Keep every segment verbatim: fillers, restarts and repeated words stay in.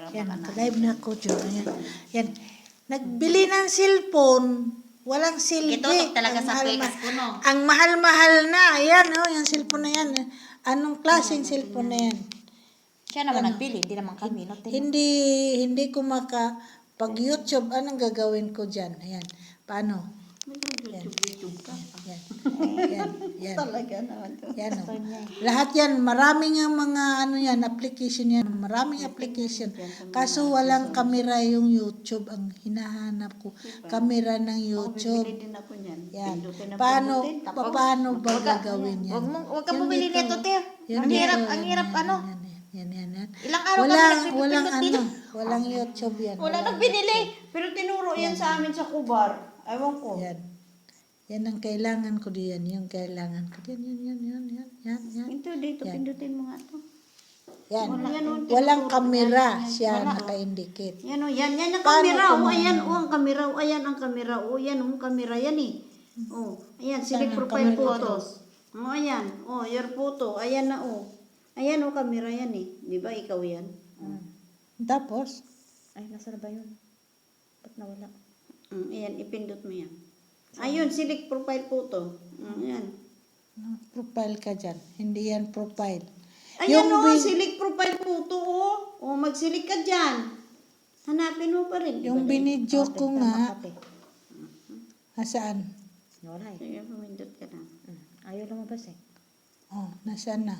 Yan, live na ako, Diyo. Yan. Yan. Nagbili ng cellphone, walang silbi. Itutok talaga Ang sa mahal- pekas ko, no? Ang mahal-mahal na. Ayan, oh, yung cellphone na yan. Anong klaseng cellphone na yan? Siya naman nagbili, hindi naman kami. No? Hindi, hindi ko maka, pag YouTube, anong gagawin ko dyan? Ayan. Paano? YouTube-YouTube ka. Yan. Yan. Yan. Talaga naman to. Yan, oh. Lahat yan, maraming ang mga ano yan, application yan, maraming application. Kaso walang kamera yung YouTube, ang hinahanap ko, kamera ng YouTube. Bibili din ako niyan. Yan. Pindutin na Paano, pindutin, tapos paano ba gagawin yan? Huwag mo, huwag ka Yung bumili dito, nito, te. yung Ang dito, hirap, yan, ang hirap, yan, ano? Yan, yan, yan, yan. Ilang araw Walang, kami walang nagpipindot ano, dito. walang YouTube yan. Wala walang nang binili. Pero tinuro yan sa amin sa Kubar. Ewan ko. Yan. Yan ang kailangan ko diyan, yung kailangan ko diyan, yan, yan, yan, yan, yan, yan. Ito dito, Yan. pindutin mo nga to. Yan. Wala yan, oh, Walang tinuturo kamera yan. siya Wala, oh. naka-indicate. Yan o, yan, yan ang Paano kamera. O, kung ayan, ano? o, ang kamera. O, ayan ang kamera. O, yan, o, ang kamera yan eh. O, ayan, select Saan ang profile kamera? photos. O, ayan. O, your photo. Ayan na, o. Ayan, o, kamera yan eh. Di ba, ikaw yan? Tapos, Ay, nasa na ba yun? Ba't nawala? Mm, ayan, ipindot mo yan. Ayun, select profile photo. Mm, ayan. ano, profile ka dyan. Hindi yan profile. Ayan Yung o, bin- select profile photo o. O, mag-select ka dyan. Hanapin mo pa rin. Yung binidyo ko nga, Kape. nasaan? Wala eh. Sige, pumindot ka na. Mm. Ayaw lumabas eh. Oh, nasaan na?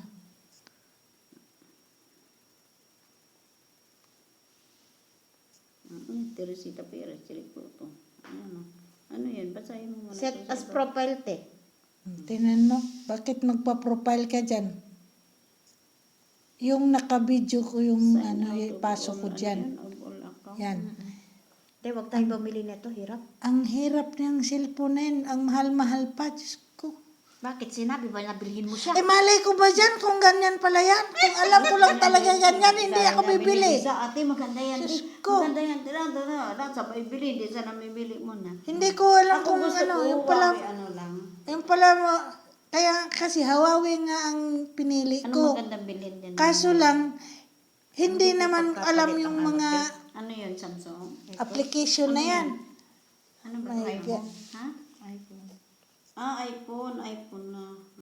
Mm, Teresita Perez, select photo. Ayan o. Ano yan? Basahin mo muna. Set to sa as baba. profile, te. Hmm, Tingnan mo, bakit magpa-profile ka dyan? Yung naka-video ko yung Sign ano, out of ipasok ko all, ano dyan. yan, of all account. Yan. Te, huwag tayong bumili nito. Hirap. Ang hirap niyang cellphone na yun. Ang mahal-mahal pa. Diyos ko. Bakit? Sinabi ba na bilhin mo siya? Eh, malay ko ba dyan kung ganyan pala yan? Kung alam ko lang talaga ganyan, hindi ako bibili. Sa ate, maganda yan. Diyos eh. ko. Maganda yan. Tira, tira. Tira, sa bibili. Hindi sana bibili mo na. Hindi ko alam Ako kung gusto ano. ko, Yung pala, Huawei, ano lang. yung pala mo, kaya kasi Huawei nga ang pinili Ano ko. magandang bilhin din? Kaso lang, hindi naman alam yung mga Ano yun, Samsung? application na yan. Ano ba? My iPhone? God. Ha? iPhone. Ah, iPhone. iPhone na.